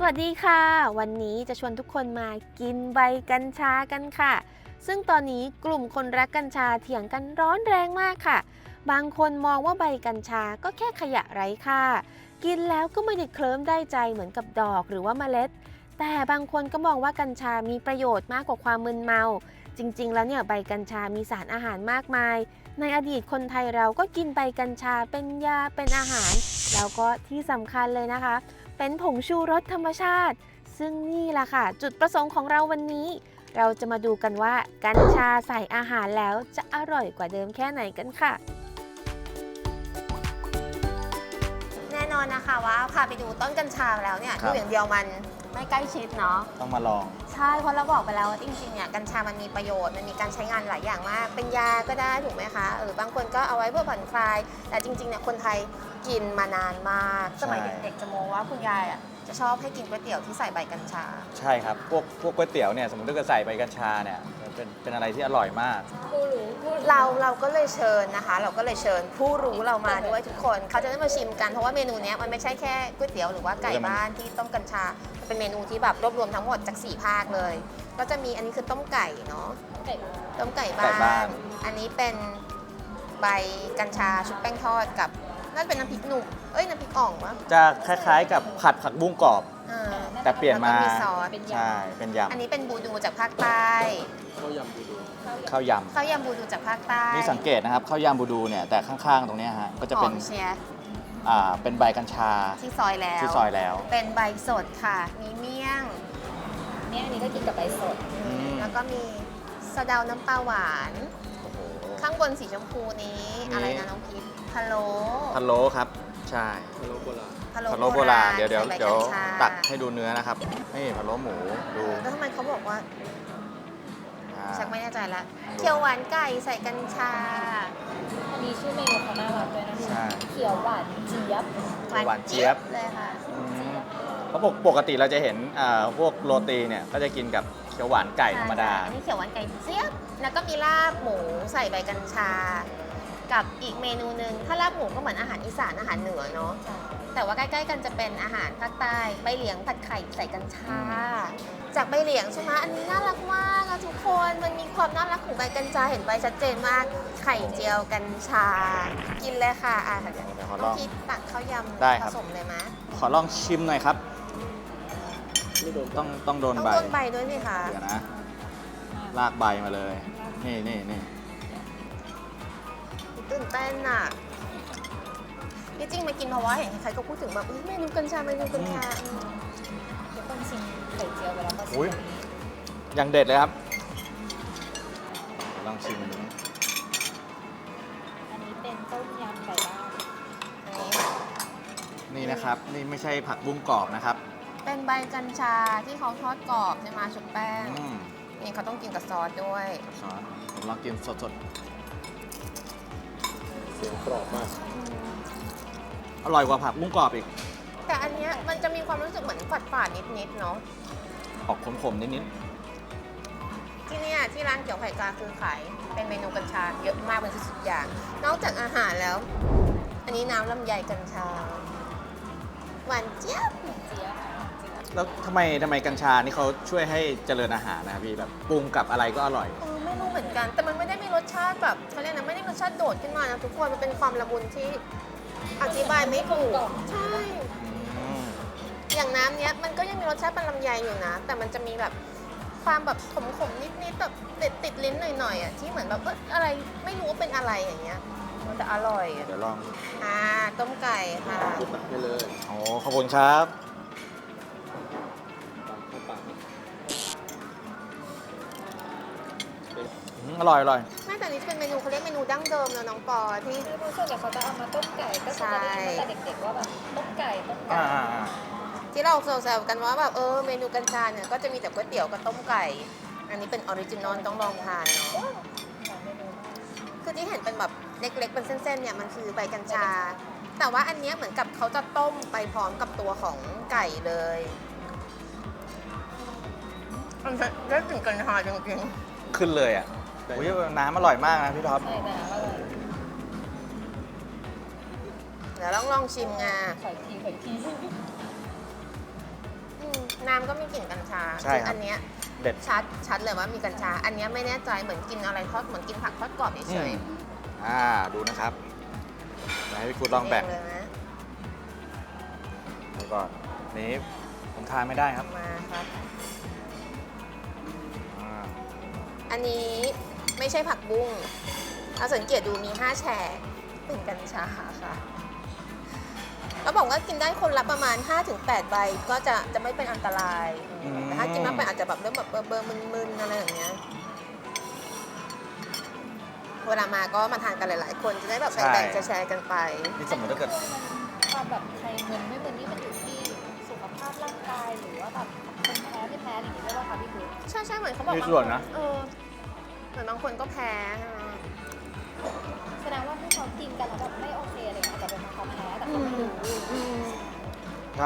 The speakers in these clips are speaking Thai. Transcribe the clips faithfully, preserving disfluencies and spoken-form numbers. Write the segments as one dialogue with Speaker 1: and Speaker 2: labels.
Speaker 1: วัสดีค่ะวันนี้จะชวนทุกคนมากินใบกัญชากันค่ะซึ่งตอนนี้กลุ่มคนรักกัญชาเถียงกันร้อนแรงมากค่ะบางคนมองว่าใบกัญชาก็แค่ขยะไร้ค่ากินแล้วก็ไม่ได้เคลิ้มได้ใจเหมือนกับดอกหรือว่าเมล็ดแต่บางคนก็มองว่ากัญชามีประโยชน์มากกว่าความมึนเมาจริงๆแล้วเนี่ยใบกัญชามีสารอาหารมากมายในอดีตคนไทยเราก็กินใบกัญชาเป็นยาเป็นอาหารแล้วก็ที่สำคัญเลยนะคะเป็นผงชูรสธรรมชาติซึ่งนี่แหละค่ะจุดประสงค์ของเราวันนี้เราจะมาดูกันว่ากัญชาใส่อาหารแล้วจะอร่อยกว่าเดิมแค่ไหนกันค่ะแน่นอนนะคะว่าพาไปดูต้นกัญชาแล้วเนี่ยดูอย่างเดียวมันไม่ใกล้ชิดเนาะ
Speaker 2: ต้องมาลอง
Speaker 1: ใช่เพราะเราบอกไปแล้วว่าจริงๆเนี่ยกัญชามันมีประโยชน์มันมีการใช้งานหลายอย่างมากเป็นยาก็ได้ถูกไหมคะเออบางคนก็เอาไว้เพื่อผ่อนคลายแต่จริงๆเนี่ยคนไทยกินมานานมากสมัยเด็กๆจะโมว่าคุณยายอ่ะจะชอบให้กินก๋วยเตี๋ยวที่ใส่ใบกัญชา
Speaker 2: ใช่ครับพวกพวกก๋วยเตี๋ยวเนี่ยสมมติถ้าเกิดใส่ใบกัญชาเนี่ยเป็นเป็นอะไรที่อร่อยมาก
Speaker 1: เราเราก็เลยเชิญนะคะเราก็เลยเชิญผู้รู้เรามาด้วยทุกคนเขาจะได้มาชิมกันเพราะว่าเมนูนี้มันไม่ใช่แค่ก๋วยเตี๋ยวหรือว่าไก่บ้านที่ต้มกัญชาเป็นเมนูที่แบบรวบรวมทั้งหมดจากสี่ภาคเลยก็จะมีอันนี้คือต้มไก่เนาะต้มไก่บ้านอันนี้เป็นใบกัญชาชุบแป้งทอดกับน่าจะเป็นน้ำพริกหนุ่มเอ้ยน้ำพริกอ่องวะ
Speaker 2: จะคล้ายๆกับผัดผักบุ้งกรอบแต่เปลี่ยนมา
Speaker 1: ซอส
Speaker 2: ใช่เป็นยำ
Speaker 1: อันนี้เป็นบูดูจากภาคใต้
Speaker 2: ข้าวยำบูดูข้าวยำ
Speaker 1: ข้าวยำบูดูจากภาคใต้
Speaker 2: นี่สังเกตนะครับข้าวยำบูดูเนี่ยแต่ข้างๆตรงนี้ฮะก็จะเป็น
Speaker 1: เชีย
Speaker 2: อ่าเป็นใบกัญชา
Speaker 1: ที่ซอยแล้ว
Speaker 2: ที่ซอยแล้ว
Speaker 1: เป็นใบสดค่ะมีเมี่ยง
Speaker 3: เมี่ยงนี้ก็กินกับใบสด
Speaker 1: แล้วก็มีสะเดาน้ำปลาหวานข้างบนสีชมพูนี้อะไรนะน้องพีทพะโล้
Speaker 2: พะโล้ครับใช่
Speaker 4: พะโล้โบราณ
Speaker 2: พะโล้โบราณเดี๋ยวเดี๋ยวเดี๋ยวตักให้ดูเนื้อนะครับนี่พะโล้หมูดู
Speaker 1: แล้วทำไมเขาบอกว่าชักไม่แน่ใจละเขียวหวานไก่ใส่กัญชา
Speaker 3: อันนี้ชื่อเมนูเขาน่ารักด้วยนะคะเขียวหวานเจี๊ยบ
Speaker 2: หวานเจี๊ยบ
Speaker 1: เลยค่ะ
Speaker 2: เพราะปกติเราจะเห็นพวกโรตีเนี่ยก็จะกินกับเขียวหวานไก่ธรรมดา
Speaker 1: อันนี้เขียวหวานไก่เจี๊ยบแล้วก็มีลาบหมูใส่ใบกัญชากับอีกเมนูหนึ่งถ้าลาบหมูก็เหมือนอาหารอีสานอาหารเหนือเนาะแต่ว่าใกล้ๆกันจะเป็นอาหารภาคใต้ใบเหลียงผัดไข่ใส่กัญชาจากใบเหลียงใช่ไหมอันนี้น่ารักมากนะทุกคนมันมีความน่ารักของใบกัญชาเห็นใบชัดเจนมากไข่เจียวกัญชากินเลยค่ะอ่ะเดี๋ยวต้องคิดตักข้าวยำผสมเลยไหม
Speaker 2: ขอลองชิมหน่อยครับต้องต้องโดนใบ
Speaker 1: ต้องโดนใบด้วยสิคะ
Speaker 2: เดี๋ยวนะลากใบมาเลยนี่นี่นี่
Speaker 1: ตื่นเต้นอ่ะที่จริงมากินเพราะว่าเห็นใครก็พูดถึงแบบเมนูกัญชาเมนูกัญชา
Speaker 3: ทุกคนชิมไข่เจียวไปแล้วก็ชิม
Speaker 2: อย่างเด็ดเลยครับลองชิมอันนี้
Speaker 3: อันนี้เป็นต้มยำไก่บ้าน
Speaker 2: นี่นะครับนี่ไม่ใช่ผักบุ้งกรอบนะครับ
Speaker 1: เป็นใบกัญชาที่เขาทอดกรอบใช่ไหมชุบแป้งนี่เขาต้องกินกับซอสด้วย
Speaker 2: ซอสผมลองกินสดๆ
Speaker 4: เสียงกรอบมาก
Speaker 2: อร่อยกว่าผักบุ้งกรอบอีก
Speaker 1: แต่อันเนี้ยมันจะมีความรู้สึกเหมือนฝาดฝาดนิดๆเนาะ
Speaker 2: ออกขมๆนิด
Speaker 1: ๆที่นี่ที่ร้านเกี่ยวไข่กาคือขายเป็นเมนูกัญชาเยอะมากเป็นสิบอย่างนอกจากอาหารแล้ว อันนี้น้ำลำไยกัญชาหวานเจี๊ยบ
Speaker 3: เจี๊ยบ
Speaker 2: แล้วทำไมทำไมกัญชานี่เขาช่วยให้เจริญอาหารนะพี่แบบปรุงกับอะไรก็อร่อย
Speaker 1: เออไม่รู้เหมือนกันแต่มันไม่ได้มีรสชาติแบบเขาเรียกนะไม่ได้รสชาติโดดขึ้นมานะทุกคนมันเป็นความละมุนที่อธิบายไม่ถูกใช่อย่างน้ำเนี้ยมันก็ยังมีรสชาติเป็นลำไยอยู่นะแต่มันจะมีแบบความแบบขมๆนิดๆแบบติดติดลิ้นหน่อยๆอ่ะที่เหมือนแบบเอออะไรไม่รู้ว่าเป็นอะไรอย่างเงี้ยมันจะอร่อย
Speaker 2: เดี๋ยวลอง
Speaker 1: อ่าต้มไก่ค่ะ
Speaker 4: ตักให้เลย
Speaker 2: โอ้ขอบคุณครับอร่อยอร่อย
Speaker 1: แม่แต่นี้เป็นเมนูเขาเรียกเมนูดั้งเดิมนะน้องปอที่
Speaker 3: รู้สึกว่าเขาจะเอามาต้มไก่ก็จะได้ยินตั้งแต่เด็กๆว่าแบบต้มไก่ต้มไก่
Speaker 1: ที่เราแซวๆกันว่าแบบเออเมนูกัญชาเนี่ยก็จะมีแต่ก๋วยเตี๋ยวกับต้มไก่อันนี้เป็นออริจินอลต้องลองทานเนาะคือที่เห็นเป็นแบบเล็กๆเป็นเส้นๆเนี่ยมันคือใบกัญชาแต่ว่าอันนี้เหมือนกับเขาจะต้มไปพร้อมกับตัวของไก่เลยมันได้ถึงกัญชาจริง
Speaker 2: ๆขึ้นเลยอ่ะโอ้ยน้ำอร่อยมากนะพี่ท็อป
Speaker 1: เดี๋ยวลองลองชิมไง
Speaker 3: ขออีกทีขออีกที
Speaker 1: น้ำก็มีกลิ่นกัญชา
Speaker 2: ใช่ครับ
Speaker 1: อันเนี้ย
Speaker 2: เด็ด
Speaker 1: ชัดชัดเลยว่ามีกัญชา อันเนี้ยไม่แน่ใจเหมือนกินอะไรทอดเหมือนกินผักทอดกรอบเฉย
Speaker 2: อืม อ่าดูนะครับเดี๋ยวให้พี่คุณ
Speaker 1: ๆ
Speaker 2: ลองแบ่ง
Speaker 1: เเลยนะ
Speaker 2: แล้วก็นี้ผมทานไม่ได้ครับ
Speaker 1: มาครับ
Speaker 2: อ่า
Speaker 1: อันนี้ไม่ใช่ผักบุ้งเอาสังเกตดูมีห้าแฉกเป็นกัญชาค่ะเขาบอกว่ากินได้คนละประมาณ ห้าถึงแปด ใบก็จะจะไม่เป็นอันตรายอืมแต่ถ้ากินมากไปอาจจะแบบเริ่มแบบเบลอๆมึนๆอะไรอย่างเงี้ย เวลามาก็มาทานกันหลาย ๆ คนจะได้แบบแบ่งๆแชร์ๆกันไป
Speaker 2: นี่สมมติถ้าเกิด
Speaker 3: ความแบบใครเงินไม่เงินนี่มันอยู่ที่สุขภาพร่างกายหรือว่าแบบคนแพ้ไม่แพ้อะไรอย่างเงี้ยด้วยป่ะคะพี่คุณ
Speaker 1: ใช่ใช่เหมือนเขาบอก
Speaker 2: มี
Speaker 1: บาง
Speaker 2: ส่วน
Speaker 1: ค
Speaker 2: นะ
Speaker 1: เออเหมือนบางคนก็แพ้ใช่ไหม
Speaker 3: แสดงว่าที่เขากินกันแล้วแบบไม่โอเคอะไรเงี้ยอาจจะเป็นเพราะเขาแพ้แต่เขาไม่รู้
Speaker 1: อืม
Speaker 2: ใช่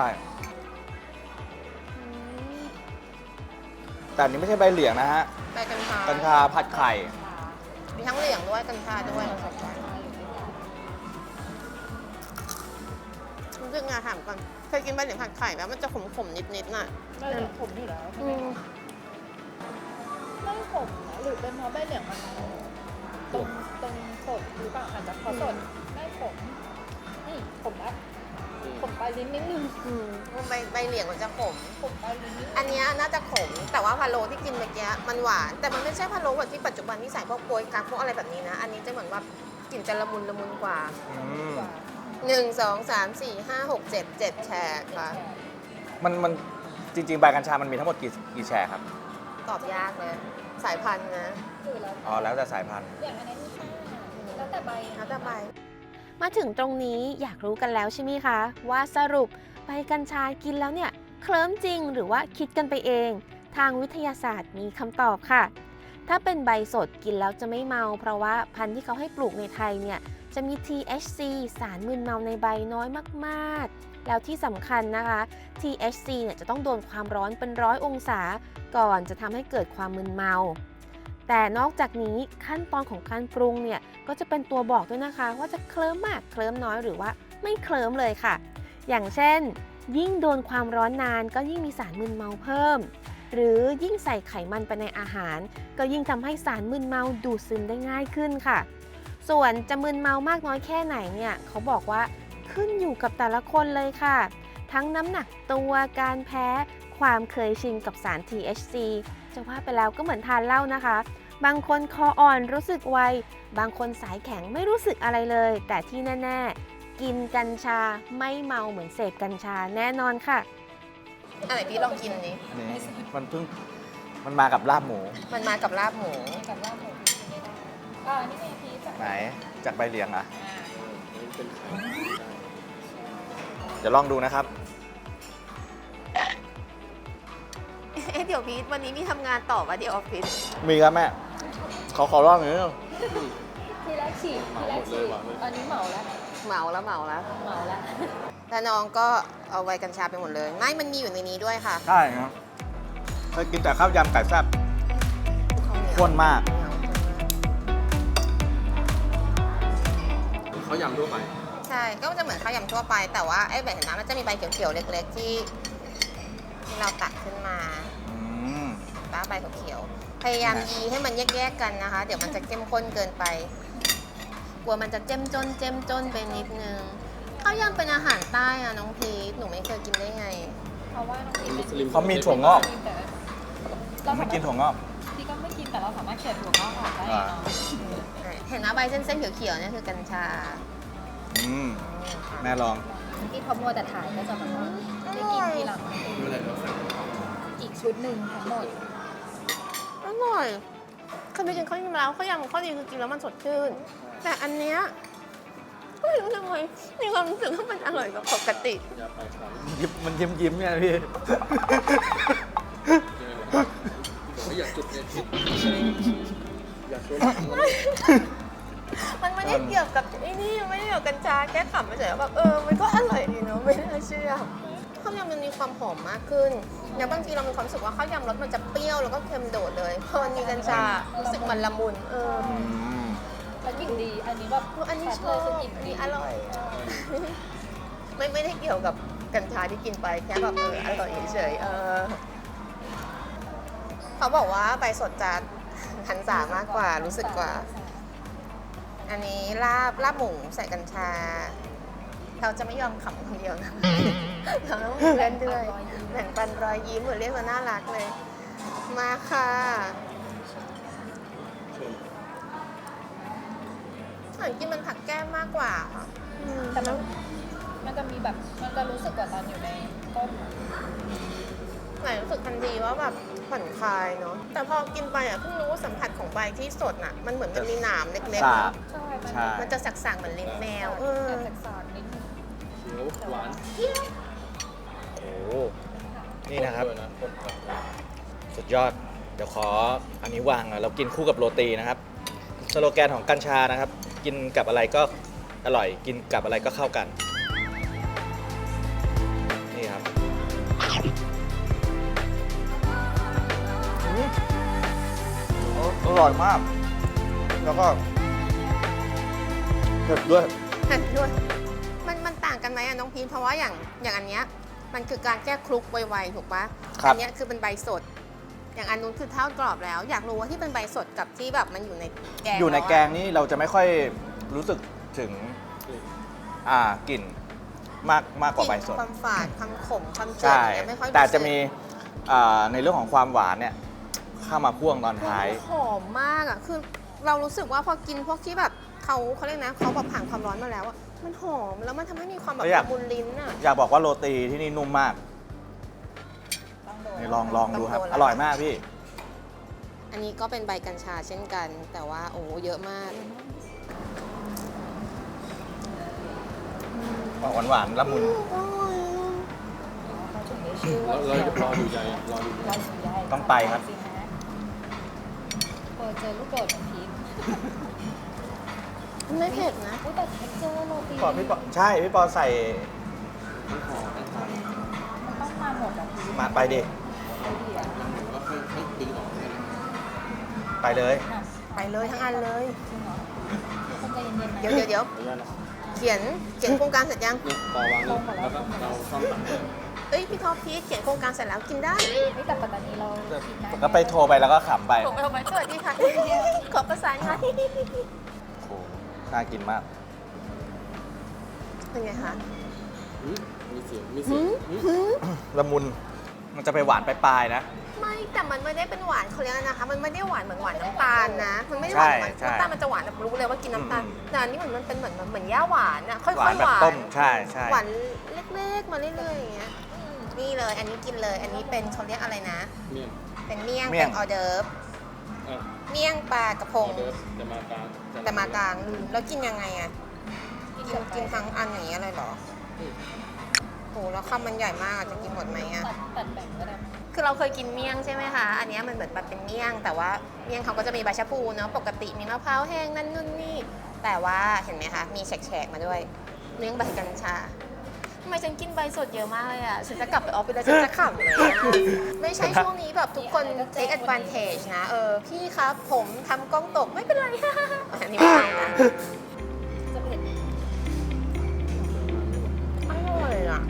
Speaker 2: แต่อันนี้ไม่ใช่ใบเหลียงนะฮะ
Speaker 1: ใบกัญชา
Speaker 2: กัญชาผัดไข่
Speaker 1: มีทั้งเหลี่ยงด้วยกัญชาด้วยรู้สึกไงถามก่อนเคยกินใบเหลียงผัดไข่แล้วมันจะขมๆนิดๆน่ะ
Speaker 3: ไม่เหลืองผมอยู่แล้วใช่
Speaker 1: อื
Speaker 3: ไหม
Speaker 1: ม
Speaker 3: ไม่ผมนะหรือเป็นเพราะใบเหลืองมันตรงตรงสดหรือเปล่าอาจจะเพราะสดไม่ผมนี่ผมละผมปลายลิ้นนิดนึง
Speaker 1: อืมใบใบเหลียงมันจะขม
Speaker 3: ผมปลายลิ้นนิดนึง
Speaker 1: อันเนี้ยน่าจะขม แต่ว่าพะโล้ที่กินเมื่อกี้มันหวาน แต่มันไม่ใช่พะโล้แบบที่ปัจจุบันที่ใส่พวกโป๊ยกั๊กพวกอะไรแบบนี้นะ อันนี้จะเหมือนว่ากลิ่นจะละมุนละมุนกว่า
Speaker 2: อืม
Speaker 1: หนึ่งสองสามสี่ห้าหกเจ็ดเจ็ดแฉกค่ะ
Speaker 2: มันมันจริง ๆ ใบกัญชามันมีทั้งหมดกี่กี่แฉกครับ
Speaker 1: ตอบยากเลย สายพันธุ์นะ
Speaker 3: คือแล้ว
Speaker 2: อ๋อ แล้วแต่สายพันธุ์
Speaker 3: อย่างอันนี้ที่ห้าแล้วแต่ใบ
Speaker 1: แล้วแต่ใบ
Speaker 5: มาถึงตรงนี้อยากรู้กันแล้วใช่ไหมคะ ว่าสรุปใบกัญชากินแล้วเนี่ยเคลิ้มจริงหรือว่าคิดกันไปเอง ทางวิทยาศาสตร์มีคำตอบค่ะ ถ้าเป็นใบสดกินแล้วจะไม่เมา เพราะว่าพันธุ์ที่เขาให้ปลูกในไทยเนี่ยจะมี ที เอช ซี สารมึนเมาในใบน้อยมากๆ แล้วที่สำคัญนะคะ ที เอช ซี เนี่ยจะต้องโดนความร้อนเป็นร้อยองศาก่อนจะทำให้เกิดความมึนเมา แต่นอกจากนี้ขั้นตอนของการปรุงเนี่ยก็จะเป็นตัวบอกด้วยนะคะ ว่าจะเคลิ้มมากเคลิ้มน้อยหรือว่าไม่เคลิ้มเลยค่ะ อย่างเช่น ยิ่งโดนความร้อนนานก็ยิ่งมีสารมึนเมาเพิ่ม หรือยิ่งใส่ไขมันไปในอาหาร ก็ยิ่งทำให้สารมึนเมาดูดซึมได้ง่ายขึ้นค่ะ ส่วนจะมึนเมามากน้อยแค่ไหนเนี่ยเขาบอกว่าขึ้นอยู่กับแต่ละคนเลยค่ะ ทั้งน้ำหนักตัวการแพ้ความเคยชินกับสาร ที เอช ซี จะว่าไปแล้วก็เหมือนทานเหล้านะคะ บางคนคออ่อนรู้สึกไว บางคนสายแข็งไม่รู้สึกอะไรเลย แต่ที่แน่ๆ กินกัญชาไม่เมาเหมือนเสพกัญชาแน่นอนค่ะ
Speaker 1: อันไหนพี่ลองกินนี้
Speaker 2: อันนี้มันเพิ่งมันมากับลาบหมู
Speaker 1: มันมากับลาบหมู
Speaker 3: กับว่าหมูพีชไม่ได้อ่านี่ไงพีชจาก
Speaker 2: ไหน จากใบเหลียงอ่ะ
Speaker 3: อ่า
Speaker 4: นี่เป็นไข่ได้
Speaker 2: เดี๋ยวลองดูนะครับ
Speaker 1: เอ๊ะเดี๋ยวพีทวันนี้มีทำงานต่อวะเดี๋ยวออฟฟิศ
Speaker 2: มีครับแม่ เขาขอลองหน่อยนึง
Speaker 3: ทีแรกฉีกทีแรกฉีกตอนนี้เหมาแล้ว
Speaker 1: เหมาแล้วเหมาแล้ว
Speaker 3: เหมาแล้ว
Speaker 1: แล้วน้องก็เอาไว้กัญชาไปหมดเลย ไม่ มันมีอยู่ในนี้ด้วยค่ะ
Speaker 2: ใช่ครับเคยกินแต่ข้าวยำไก่แซ่บ ข้นมาก
Speaker 4: เขายำทั่วไป
Speaker 1: ใช่ ก็จะเหมือนข้าวยำทั่วไป แต่ว่าไอ้แบบเห็นน้ำมันจะมีใบเขียวๆเล็กๆที่ที่เราตัดขึ้นมา
Speaker 2: อืม
Speaker 1: ป้าใบเขียวๆพยายามยีให้มันแยกๆกันนะคะ เดี๋ยวมันจะเข้มข้นเกินไป กลัวมันจะเจ้มจนเจ้มจนไปนิดนึงข้าวยำเป็นอาหารใต้อะน้องพีทหนูไม่เคยกินได้ไง
Speaker 3: เพราะว่าน้องพีชเป็น
Speaker 4: มุสลิม
Speaker 2: เขามีถั่วงอก
Speaker 3: แต่
Speaker 2: ผมไม่กินถั่วงอก
Speaker 3: พี่ก็ไม่กินแต่เราสามารถเขี่ยถั่วงอกออกได้
Speaker 2: อ่า
Speaker 3: เนาะ
Speaker 1: เห็นนะใบเส้นๆเขียวๆเนี่ยคือกัญชา
Speaker 2: อืม แม่ลอง
Speaker 3: ที่เขามัวแต่ถ่ายก็จะแบบว่าได้กินทีหลัง
Speaker 4: ไม่เป็นไรครับ
Speaker 3: อีกชุดหนึ่งทั้งหมด
Speaker 1: อร่อยเคยไปกินข้าวยำแล้วข้าวยำข้าวดีคือกินแล้วมันสดชื่น แต่อันเนี้ยไม่รู้ทำไมมีความรู้สึกว่ามันอร่อยกว่าปกติ
Speaker 4: อย่าไปครับ
Speaker 2: ยิ้มมันยิ้มยิ้มเนี่ยพี่
Speaker 4: บอกว่าอย่าจุดเนี่ยผิดอย่าชวน
Speaker 1: มันไม่ได้เกี่ยวกับไอ้นี่ไม่ได้เกี่ยวกับกัญชาแค่ขำไปเฉยๆแบบเออมันก็อร่อยดีเนาะไม่น่าเชื่อข้าวยำมันมีความหอมมากขึ้นอย่างบางทีเรามีความรู้สึกว่าข้าวยำรสมันจะเปรี้ยวแล้วก็เค็มโดดเลยพอมันมีกัญชารู้สึกมันละมุนเออ
Speaker 2: อืม
Speaker 3: แล้วกลิ่นดี อันนี้แบบ
Speaker 1: อันนี้ช
Speaker 3: ชั
Speaker 1: อ
Speaker 3: ด
Speaker 1: บ
Speaker 3: เลยคือกลิ่น
Speaker 1: อัน
Speaker 3: ดี
Speaker 1: นี้อร่อย ไม่ไม่ได้เกี่ยวกับกัญชาที่กินไปแค่แบบเอออร่อยเฉยๆเออเขาบอกว่าใบสดจะหันษามากกว่ารู้สึกกว่า อันนี้ลาบลาบหมูใส่กัญชา เราจะไม่ยอมขำคนเดียวนะ เราต้องมีเพื่อนด้วยแบ่งปันรอยยิ้มเหมือนเรียกว่าน่ารักเลย มาค่ะเหมือนกินมันผักแก้มมากกว่าค่ะอืม
Speaker 3: แต่มันมันจะมีแบบมันจะรู้สึกกว่าตอนอยู่ในต้ม
Speaker 1: หมายรู้สึกทันทีว่าแบบผ่อนคลายเนาะแต่พอกินไปอ่ะเพิ่งรู้ว่าสัมผัสของใบที่สดน่ะมันเหมือนมันมีหนามเล็กๆ
Speaker 2: สาบ
Speaker 1: เนอะ
Speaker 3: ใช่มัน
Speaker 2: ใช่
Speaker 1: มันจะสักๆเหมือนลิ้นแมวเออ
Speaker 3: แต่สากๆนิดนึง
Speaker 4: เขียวหวาน
Speaker 2: โอ้โหนี่นะครับ
Speaker 4: ด้วยนะคนผัด
Speaker 2: สุดยอด เดี๋ยวขออันนี้วางอ่ะเรากินคู่กับโรตีนะครับ สโลแกนของกัญชานะครับ กินกับอะไรก็อร่อย กินกับอะไรก็เข้ากัน นี่ครับอืมอร่อยมาก แล้วก็เผ็ดด้วย
Speaker 1: เห็นด้วยมันมันต่างกันไหมอะน้องพีทเพราะว่าอย่างอย่างอันเนี้ยมันคือการแก้คลุกไวๆถูกปะ
Speaker 2: ครับ
Speaker 1: อัเนี้ยคือเป็นใบสด อย่างอันนู้นคือทอดกรอบแล้ว อยากรู้ว่าที่เป็นใบสดกับที่แบบมันอยู่ในแกง
Speaker 2: อยู่ใน
Speaker 1: ล้วะ
Speaker 2: แกงนี่เราจะไม่ค่อยรู้สึกถึงอ่ากลิ่นมากมากกว่าใบสด
Speaker 1: ความฝาดความขมความเจืด
Speaker 2: ใช่
Speaker 1: อย่างเงี้ยไม่ค่อย
Speaker 2: แต่จะ
Speaker 1: รู้สึก
Speaker 2: มีอ่าในเรื่องของความหวานเนี่ยเข้ามาพ่วงตอนท้าย
Speaker 1: หอมมากอ่ะ คือเรารู้สึกว่าพอกินพวกที่แบบเขาเขาเรียกนะเขาแบบผ่านความร้อนมาแล้วอ่ะ มันหอมแล้วมันทำให้มีความแบบ
Speaker 2: แล้วอยาก
Speaker 1: ละมุนลิ้นอ่ะ
Speaker 2: อยากบอกว่าโรตีที่นี่นุ่มมาก
Speaker 3: ต้องโดน
Speaker 2: นี่ลองลองดูครับ
Speaker 1: ต้องโดน
Speaker 2: อร่อยมากพี่
Speaker 1: อันนี้ก็เป็นใบกัญชาเช่นกัน แต่ว่าโอ้โหเยอะมาก
Speaker 2: หวานหวานๆละมุน
Speaker 3: เขาถึงได้ชื่อ
Speaker 4: เรา
Speaker 3: ว่า
Speaker 4: เรารอดูใหญ่รอดูใหญ่
Speaker 3: เราถึงใหญ่
Speaker 2: ต้องไปครับ
Speaker 3: สินะเปิดเจอลูกโดดของพีค
Speaker 1: ไม่เผ็ดนะ
Speaker 3: อุ๊ยแต่เท็กเจอร์โรตี
Speaker 2: ปอพี่ปอใช่ พี่ปอใส่
Speaker 3: มันต้องมาหมดอ่ะพีค
Speaker 2: มาไปดิ
Speaker 3: ไม่ดีอ่ะ
Speaker 4: แล้วค่อยค่อยดึงออกนะ
Speaker 2: ไปเลย
Speaker 3: อ่ะ
Speaker 1: ไปเลยทั้งอันเลย
Speaker 3: จริงเหรอทุกคนใจเย็นๆนะ
Speaker 1: เดี๋ยวเดี๋ยวเดี๋ยว
Speaker 4: ขออนุญาตนะ
Speaker 1: เขียนเขียนโครงการเสร็จยัง
Speaker 4: เนี่ยปอวางลงแล้วก็เราซ่อมตังค์เลย
Speaker 1: เอ้ยพี่ท็อปพีชเขียนโครงการเสร็จแล้วกินได้
Speaker 3: ไม่แต่ปัตตานีเราคิดนะ
Speaker 2: ก็ไปโทรไปแล้วก็ขำไป
Speaker 1: ผมเอาไปสวัสดีค่ะ ขอประสานงาน
Speaker 2: โอ้โหน่ากินมาก
Speaker 1: เป็นไงคะ
Speaker 4: หืมมีเสียงมีเสียงหืม
Speaker 2: ละมุน มันจะไปหวานปลายๆนะ
Speaker 1: ไม่แต่มันไม่ได้เป็นหวานเขาเรียกอะไรนะคะ มันไม่ได้หวานเหมือนหวานน้ำตาลนะ มันไม่ได้หวานเหมือน
Speaker 2: ใช่
Speaker 1: น้ำตาลมันจะหวานแบบรู้เลยว่ากินน้ำตาล
Speaker 2: อืม
Speaker 1: แต่อันนี้เหมือนมันเป็นเหมือนเหมือนย่าหวานอะค่อยๆ
Speaker 2: หวานแบบ
Speaker 1: หวาน
Speaker 2: ต้ม ใช่ใช่
Speaker 1: หวานเล็กๆมาเรื่อยๆอย่างเงี้ยอืมนี่เลย อันนี้กินเลย อันนี้เป็นเขาเรียกอะไรนะ
Speaker 4: เมี่ยง
Speaker 1: เป็นเมี่ยง
Speaker 2: เมี่ย
Speaker 1: เป็
Speaker 2: ง
Speaker 1: นออเดิร์ฟ
Speaker 4: อ่ะ
Speaker 1: เมี่ยงปลากระพ
Speaker 4: อง อเดิร์ฟจะมากลาง
Speaker 1: แต่มากลางอืมแล้วกินยังไงอะกินกินทั้งอันอย่างเงี้ยเลยเหรอโหแล้วคำมันใหญ่มากอะจะกินหมดไหมอะ
Speaker 3: ตัดตัดแบ่งก็ได้
Speaker 1: คือเราเคยกินเมี่ยงใช่ไหมคะ อันเนี้ยมันเหมือนแบบเป็นเมี่ยง แต่ว่าเมี่ยงเขาก็จะมีใบชะพูเนาะ ปกติมีมะพร้าวแห้งนั่นนู่นนี่ แต่ว่าเห็นไหมคะ มีแฉกๆมาด้วย เนื่องใบกัญชาทำไมฉันกินใบสดเยอะมากเลยอ่ะ ฉันจะกลับไปออฟฟิศแล้วฉันจะขำเลยอะไม่ใช่ช่วงนี้แบบทุกคน take advantage นะ เออ พี่ครับผมทำกล้องตกไม่เป็นไร อันนี้ไม่เอานะ
Speaker 3: จะเผ็ด
Speaker 1: อร่อยอ่ะ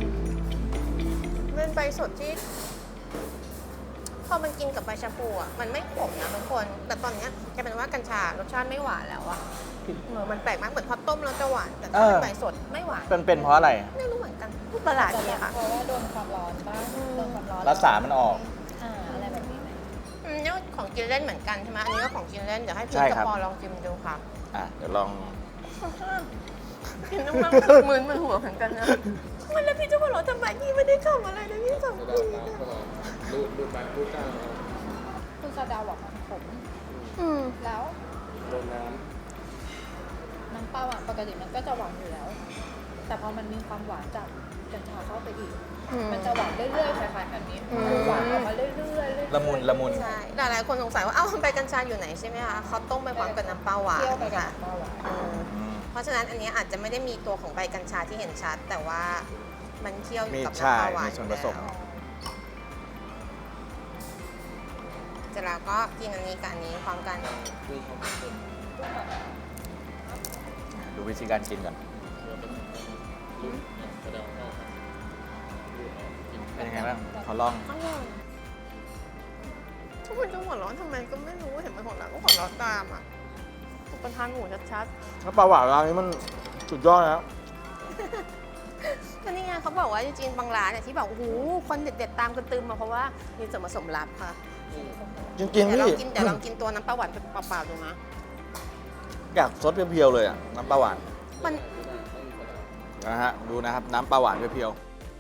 Speaker 1: เป็นใบสดที่ พอมันกินกับใบชะพูอ่ะ มันไม่ขมนะทุกคน แต่ตอนเนี้ยกลายเป็นว่ากัญชารสชาติไม่หวานแล้วอ่ะเออมันแปลกมาก เหมือนพอต้มแล้วจะหวาน แต่ถ้าเป็นใบสดไม่หวาน
Speaker 2: เป็นเป็นเพราะอะไร
Speaker 1: ไม่รู้เหมือนกันประหลาด
Speaker 3: จะ
Speaker 1: ดี
Speaker 3: แบบ
Speaker 1: ค่ะ
Speaker 3: เพราะว่าโดนความร้อนบ้างโดนความร้อน
Speaker 2: รักษามันออก
Speaker 3: อ่าอะไรแบบนี้ไหม
Speaker 1: อืมนี่ก็ของกินเล่นเหมือนกันใช่ไหมอันนี้ก็ของกินเล่น เดี๋ยวให้พี
Speaker 2: ใช่
Speaker 1: ทกับ
Speaker 2: ครับ
Speaker 1: ปอลองชิมดูค่ะ
Speaker 2: อ่ะ เดี๋ยวลอง
Speaker 1: กินน้ำมันมึนมึนหัวเหมือนกันนะมันแล้วพี่จะมาหรอทำไมพี่ไม่ได้ทำอะไรนะพี่ทำ
Speaker 4: กระดาษน้ำเข้ามาดูดดูดไปดูดก้างเอา
Speaker 3: คือซาดาบอกมันขม
Speaker 1: อืม
Speaker 3: แล้ว
Speaker 4: โดนน้
Speaker 3: น้ำเปล่าอ่ะปกติมันก็จะหวานอยู่แล้ว แต่พอมันมีความหวานจากกัญชาเข้าไปอีก
Speaker 1: อืม
Speaker 3: มันจะหวานเรื่อยๆคล้ายๆแบบนี้
Speaker 1: อืม
Speaker 3: คือหวานออกมาเรื่อยๆเรื่อยๆ
Speaker 2: ละมุนละมุน
Speaker 1: ใช่หลายๆคนสงสัยว่า เอ้าใบกัญชาอยู่ไหนใช่ไหมคะเขาต้มไปพร้อมกับน้ำเปล่าหวาน
Speaker 3: เคี่ยวไปกับ
Speaker 1: ค่ะ
Speaker 3: น้ำเปล่าหวาน
Speaker 1: อืม
Speaker 2: อืม
Speaker 1: เพราะฉะนั้นอันนี้อาจจะไม่ได้มีตัวของใบกัญชาที่เห็นชัด แต่ว่ามันเคี่ยวอยู่กับ
Speaker 2: มีใช่
Speaker 1: น้ำเปล่าหวาน
Speaker 2: มีส่วนผสม
Speaker 1: อยู่แล้วเสร็จแล้วก็กินอันนี้กับอันนี้พร้อมกัน
Speaker 4: ำนี่เขาเป็น
Speaker 2: ดูวิธีการกินก่อน
Speaker 4: เคี้ยวเป็นรุ่นเนี่ยกระดาษเข้า
Speaker 2: บ้างขอลอง
Speaker 1: อร่อยทุกคนจะหัวเร้อนทำไมก็ไม่รู้เห็นมันหัวเร้อนก็หัวเร้อนตามอ่ะอุปทานหมูชัด
Speaker 2: ถ้าปลาหวานร้านนี้มันสุดยอดนะ
Speaker 1: ๆก็นี่ไงเขาบอกว่าจริงๆบางร้านเนี่ยที่แบบโอ้โหคนเด็ดๆตามกันตึมมาเพราะว่ามีส่วนผสมลับค่ะ
Speaker 2: จริงๆ
Speaker 1: เดี๋ยวลอ
Speaker 2: พี่
Speaker 1: งกินเดี๋ยวลองกินตัวน้ำปลาหวานเปล่าๆดูนะ
Speaker 2: อยากซดเพียวๆเลยอ่ะน้ำปลาหวาน
Speaker 1: มัน
Speaker 2: นะฮะดูนะครับน้ำปลาหวานเพียว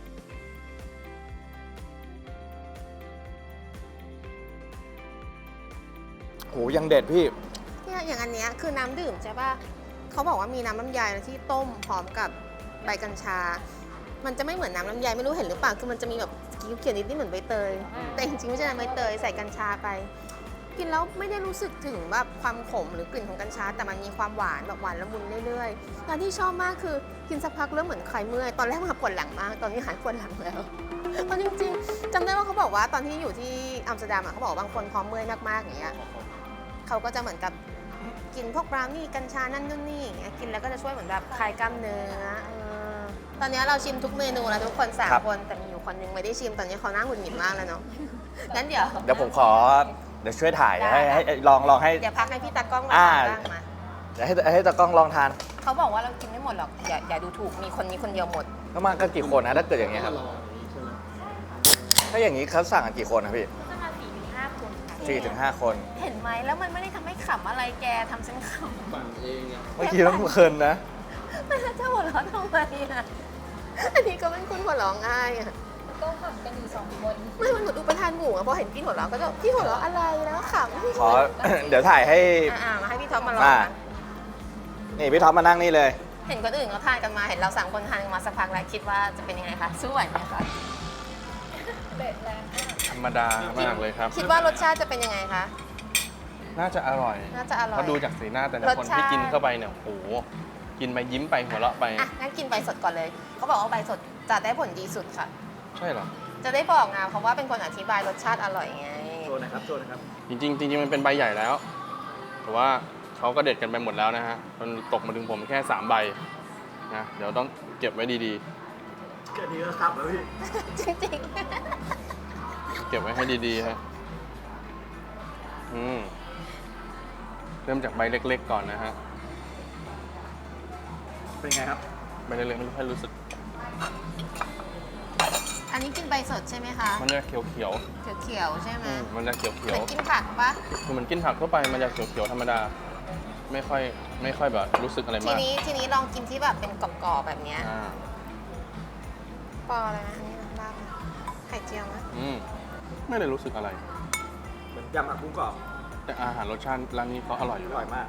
Speaker 2: ๆโหยังเด็ดพี่
Speaker 1: เนี่ยอย่างอันเนี้ยคือน้ำดื่มใช่ป่ะเขาบอกว่ามีน้ำลำไยที่ต้มพร้อมกับใบกัญชา มันจะไม่เหมือนน้ำลำไยไม่รู้เห็นหรือเปล่าคือมันจะมีแบบเขียวๆนิดๆเหมือนใบเตย แต่จริงๆไม่ใช่น้ำใบเตยใส่กัญชาไป กินแล้วไม่ได้รู้สึกถึงแบบความขมหรือกลิ่นของกัญชา แต่มันมีความหวานแบบหวานละมุนเรื่อยๆแล้วที่ชอบมากคือกินสักพักเริ่มเหมือนคลายเมื่อยตอนแรกมาปวดหลังมากตอนนี้หายปวดหลังแล้วเพราะจริงๆจำได้ว่าเขาบอกว่าตอนที่อยู่ที่อัมสเตอร์ดัมอะเขาบอกว่าบางคนพอเมื่อยมากๆอย่างเงี้ยเขาก็จะเหมือนกับกินพวกบราวนี่กัญชานั่นนู่นนี่อย่างเงี้ยกินแล้วก็จะช่วยเหมือนแบบคลายกล้ามเนื้อเออตอนนี้เราชิมทุกเมนูแล้วทุกคนสาม
Speaker 2: ครับ
Speaker 1: คนแต่มีอยู่คนนึงไม่ได้ชิมตอนนี้เขาหน้าหงุดหงิดมากแล้วเนาะงั้นเดี๋ยว
Speaker 2: เดี๋ยวผมขอเดี๋ยวช่วยถ่าย
Speaker 1: ได้
Speaker 2: ให้ให้ให้ลองลองให้
Speaker 1: เดี๋ยวพักให้พี่ตากล้องมา
Speaker 2: อ่า
Speaker 1: ทานบ้างมา
Speaker 2: เดี๋ยวให้ให้ตากล้องลองทาน
Speaker 1: เขาบอกว่าเรากินไม่หมดหรอกอย่าอย่าดูถูกมีคนนี้คนเดียวหมด
Speaker 2: แล้วมากันกี่คนนะถ้าเกิดอย่างเงี้ยครับ
Speaker 4: รออย่างนี้ใช่ไหม
Speaker 2: ถ้าอย่างนี้เขาสั่งกันกี่คนนะพี่
Speaker 3: จะมาสี่ถึงห้าคนค่ะ
Speaker 2: สี่ถึงห้าคน
Speaker 1: เห็นไหมแล้วมันไม่ได้ทำให้ขำอะไรแกทำฉันข
Speaker 4: ปั่นเองอ่ะ
Speaker 2: เมื่อกี้ต้องเพลินนะ
Speaker 1: ำไม่แล้วจะหัวเราะทำไมอ่ะอันนี้ก็เป็นคนหัวเราะง่ายอ่ะ
Speaker 3: ก็ทำกันอยู่สองคน
Speaker 1: ไม่มันเหมือนอุปทานหมู่อะพอเห็นพี่หัวเราะก็จะพี่หัวเราะอะไรแล้วขำ
Speaker 2: ขอ เดี๋ยวถ่ายให้
Speaker 1: อ่ามาให้พี่ท็อปมาลอง
Speaker 2: อ่า
Speaker 1: นะ
Speaker 2: นี่พี่ท็อปมานั่งนี่เลย
Speaker 1: เห็นคนอื่นเขาทานกันมาเห็นเราสามคนทานกันมาสักพักแล้วคิดว่าจะเป็นยังไงคะสู้ไหวไหมคะ
Speaker 3: เบ็ดแรงมาก
Speaker 6: ธรรมดามากเลยครับ
Speaker 1: คิดว่ารสชาติจะเป็นยังไงคะ
Speaker 6: น่าจะอร่อย
Speaker 1: น่าจะอร่อย
Speaker 6: เพราะดูจากสีหน้าแต่ละ
Speaker 1: รส
Speaker 6: คน
Speaker 1: ชาติ
Speaker 6: ที่กินเข้าไปเนี่ยโอ้โหกินไปยิ้มไปหัวเราะไป
Speaker 1: อ่ะงั้นกินใบสดก่อนเลยเขาบอกว่าใบสดจะได้ผลดีสุดค่ะ
Speaker 6: ใช่เหรอ
Speaker 1: จะได้บอกไงเพราะว่าเป็นคนอธิบายรสชาติอร่อยไง
Speaker 2: โชว์นะครับ โชว์นะครับ
Speaker 6: จริงๆจริงๆมันเป็นใบใหญ่แล้ว แต่ว่าเขาก็เด็ดกันไปหมดแล้วนะฮะมันตกมาถึงผมแค่สามใบนะเดี๋ยวต้องเก็บไว้ดี
Speaker 2: แค่นี้ก็ครับแล้วพี่
Speaker 1: จริง
Speaker 6: ๆ เก็บไว้ให้ดีๆฮะอืมเริ่มจากใบเล็กๆก่อนนะฮะ
Speaker 2: เป็นไงครับ
Speaker 6: ใบเล็กๆไม่ค่อยรู้สึก
Speaker 1: ๆ อันนี้กินใบสดใช่ไหมคะ
Speaker 6: มันจะเขียว
Speaker 1: เขียวๆใช่ไหม
Speaker 6: ๆอืมมันจะเขี
Speaker 1: เห
Speaker 6: ยว
Speaker 1: มือนกินผักปะ
Speaker 6: ๆคือเหมือนกินผักทั่วไปมันจะเขียวๆธรรมดา ไม่ค่อยไม่ค่อยแบบรู้สึกอะไร
Speaker 1: ที
Speaker 6: มาก
Speaker 1: นี้ทีนี้ลองกินที่แบบเป็นกรอบๆแบบเนี้ย
Speaker 6: อ่า
Speaker 1: ปออะไรนะอันนี้นะลาบนะไข่เจียวนะ
Speaker 6: อืมไม่ได้รู้สึกอะไร
Speaker 2: เหมือนยำผักบุ้งกรอบ
Speaker 6: แต่อาหารรสชาติร้านนี้เขาอร่อยอยู่
Speaker 2: อ
Speaker 6: แล้ว
Speaker 2: ร่อยมาก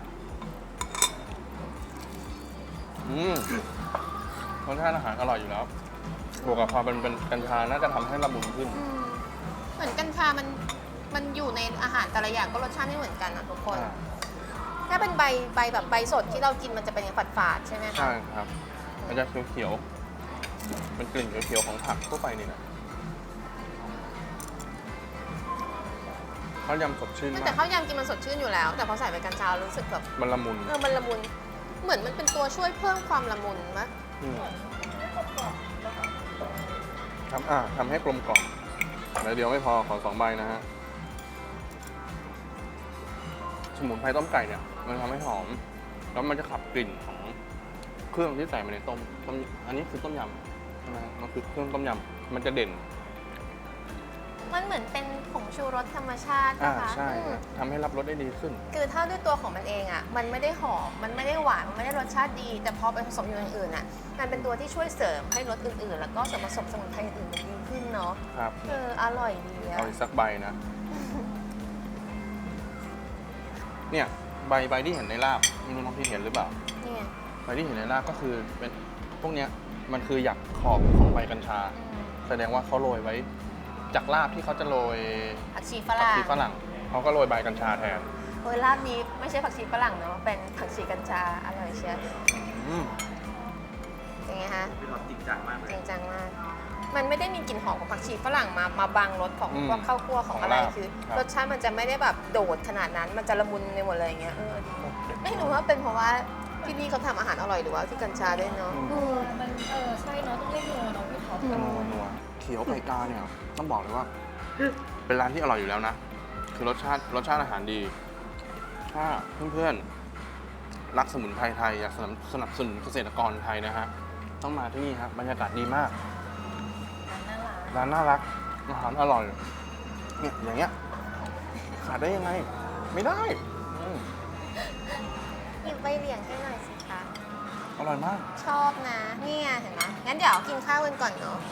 Speaker 6: อืมรสชาติอาหารอร่อยอยู่แล้ว บวกกับความเป็นเป็นกัญชาน่าจะทำให้ละมุนขึ้น
Speaker 1: อืมเหมือนกัญชา มัน มันอยู่ในอาหารแต่ละอย่างก็รสชาติไม่เหมือนกันนะทุกคน
Speaker 6: อ่า
Speaker 1: ถ้าเป็นใบใบแบบใบสดที่เรากินมันจะเป็นฝาดฝาดๆใช่ไหมคะ
Speaker 6: ใช่ครับ มันจะเขียวๆเป็นกลิ่นเขียวๆของผักทั่วไปนี่นะข้าวยำสดชื่น
Speaker 1: แต่
Speaker 6: มาก
Speaker 1: ข้าวยำกินมันสดชื่นอยู่แล้ว แต่พอใส่ใบกัญชารู้สึกแบบ
Speaker 6: มันละมุน
Speaker 1: เออมันละมุน เหมือนมันเป็นตัวช่วยเพิ่มความละมุนมะ
Speaker 6: อืมทำอ่าทำให้กลมกล่อมแล้วเดียวไม่พอขอสองใบนะฮะ สมุนไพรต้มไก่เนี่ย มันทำให้หอม แล้วมันจะขับกลิ่นของเครื่องที่ใส่มาในต้มต้ม อันนี้คือต้มยำใช่ไหมฮะมันคือเครื่องต้มยำ มันจะเด่น
Speaker 1: มันเหมือนเป็นผงชูรสธรรมชาติ
Speaker 6: อ่า
Speaker 1: นะคะ
Speaker 6: ใช่
Speaker 1: อืม
Speaker 6: ทำให้รับรสได้ดีขึ้น
Speaker 1: คือถ้าด้วยตัวของมันเองอ่ะ มันไม่ได้หอม มันไม่ได้หวาน มันไม่ได้รสชาติดี แต่พอไปผสมอยู่อย่างอื่นอ่ะ มันเป็นตัวที่ช่วยเสริมให้รสอื่นๆ แล้วก็ส่วนผสมสมุนไพรอื่นๆมันดีขึ้นเนาะ
Speaker 6: ครับ
Speaker 1: เออ อร่อยดีอะ
Speaker 6: เอาอีกสักใบนะ เนี่ยใบใบที่เห็นในลาบไม่รู้น้องพี่เห็นหรือเปล่า
Speaker 1: นี่ไง
Speaker 6: ใบที่เห็นในลาบก็คือเป็นพวกเนี้ยมันคือหยักขอบของใบกัญชา
Speaker 1: อืม
Speaker 6: แสดงว่าเขาโรยไว้ จากลาบที่เขาจะโรย
Speaker 1: ผักชีฝ
Speaker 6: ผัก
Speaker 1: รั่ง
Speaker 6: ชีฝรั่งเขาก็โรยใบกัญชาแทน
Speaker 1: เฮ้ยลาบนี้ไม่ใช่ผักชีฝรั่งเนาะ เป็นผักชีกัญชา อร่อยเชียว
Speaker 6: อืม
Speaker 1: ยังไงฮะ
Speaker 2: พี่ท็อปจริงจังมากเล
Speaker 1: จ
Speaker 2: ย
Speaker 1: ริงจังมาก มันไม่ได้มีกลิ่นหอมของผักชีฝรั่งมา มาบังรสของ
Speaker 6: อืม
Speaker 1: พวกข้าวคั่วของอะไร
Speaker 6: ของลาบ
Speaker 1: คือ
Speaker 6: ครับ
Speaker 1: รสชาติมันจะไม่ได้แบบโดดขนาดนั้น มันจะละมุนในหมดเลยอย่างเงี้ย เออดีไม่รู้ว่าเป็นเพราะว่าที่นี่เขาทำอาหารอร่อยหรือว่าที่กัญชาด้วยเนาะ
Speaker 6: อืม
Speaker 3: เออมันเออใช่เนาะต้องเรียกนัวเนาะพี่ท็อป
Speaker 6: นัวนัวขียวไก่กาเนี่ยต้องบอกเลยว่า เป็นร้านที่อร่อยอยู่แล้วนะ คือรสชาติรสชาติอาหารดี ถ้าเพื่อนๆรักสมุนไพรไทยอยากสนับสนับสนุนเกษตรกรไทยนะฮะต้องมาที่นี่ครับบรรยากาศดีมาก
Speaker 3: ร้านน่ารัก
Speaker 6: ร้านน่ารักอาหารอร่อยเนี่ยอย่างเงี้ยขาดได้ยังไง ไม่ได้อืม
Speaker 1: หยิบใบเหลียงให้หน่อยสิคะ
Speaker 6: อร่อยมาก
Speaker 1: ชอบนะนี่ไงเห็นไหมงั้นเดี๋ยวกินข้าวกันก่อนเนาะ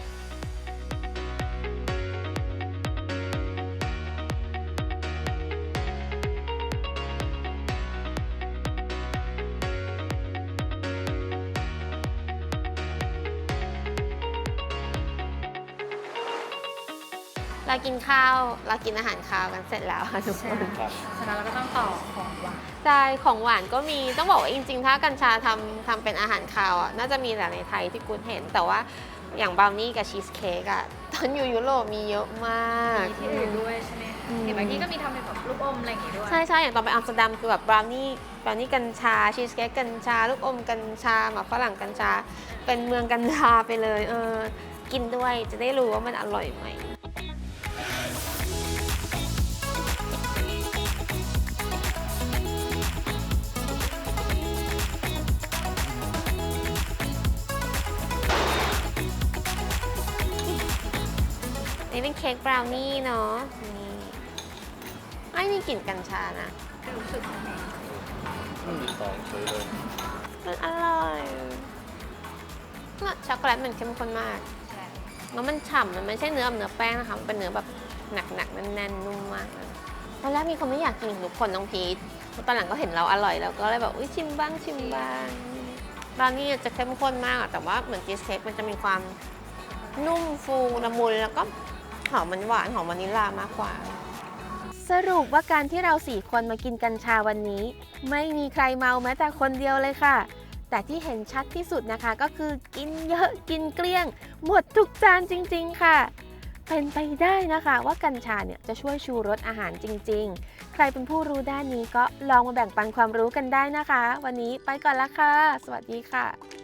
Speaker 1: เรากินข้าว เรากินอาหารคาวกันเสร็จแล้วค่ะทุกคน
Speaker 2: ครับ
Speaker 3: ฉะนั้นเราก็ต้องต่อของหวาน
Speaker 1: ใช่ของหวานก็มี ต้องบอกว่าจริงๆ ถ้ากัญชาทำทำเป็นอาหารคาวอ่ะ น่าจะมีแต่ในไทยที่กูเห็น แต่ว่าอย่างบราวนี่กับชีสเค้กอ่ะ ตอนอยู่ยุโรปมีเยอะมาก
Speaker 3: มีที่อื่นด้วยใช่ไหม
Speaker 1: อืม
Speaker 3: เห็นบางที่ก็มีทำเป็นแบบลูกอมอะไรอย่างงี้ด้วย
Speaker 1: ใช่ใช่อย่างตอนไปอัมสเตอร์ดัมคือแบบบราวนี่บราวนี่กัญชา ชีสเค้กกัญชา ลูกอมกัญชาหมากฝรั่งกัญชา เป็นเมืองกัญชาไปเลย เออ กินด้วยจะได้รู้ว่ามันอร่อยไหม นี่เป็นเค้กบราวนี่เนาะ นี่ไม่มีกลิ่นกัญชานะ
Speaker 3: รู้สึกยังไง
Speaker 2: ที่สองเฉยเลย
Speaker 1: มันอร่อยช็อกโกแลตมันเข้มข้นมาก
Speaker 3: ใช่
Speaker 1: แล้วมันฉ่ำมันไม่ใช่เนื้อแบบเนื้อแป้งนะคะ มันเป็นเนื้อแบบหนักๆแน่นๆนุ่มมากเลยตอนแรกมีคนไม่อยากกินทุกคนน้องพีทตอนหลังก็เห็นเราอร่อยแล้วก็เลยแบบอุ้ยชิมบ้างชิมบ้างบราวนี่จะเข้มข้นมากอะแต่ว่าเหมือนชีสเค้กมันจะมีความนุ่มฟูละมุนแล้วก็หอมมันหวานหอมวานิลลามากกว่า สรุปว่าการที่เราสี่คนมากินกัญชาวันนี้ ไม่มีใครเมาแม้แต่คนเดียวเลยค่ะ แต่ที่เห็นชัดที่สุดนะคะก็คือกินเยอะกินเกลี้ยง หมดทุกจานจริงๆค่ะ เป็นไปได้นะคะว่ากัญชาเนี่ยจะช่วยชูรสอาหารจริงๆ ใครเป็นผู้รู้ด้านนี้ก็ลองมาแบ่งปันความรู้กันได้นะคะ วันนี้ไปก่อนละค่ะ สวัสดีค่ะ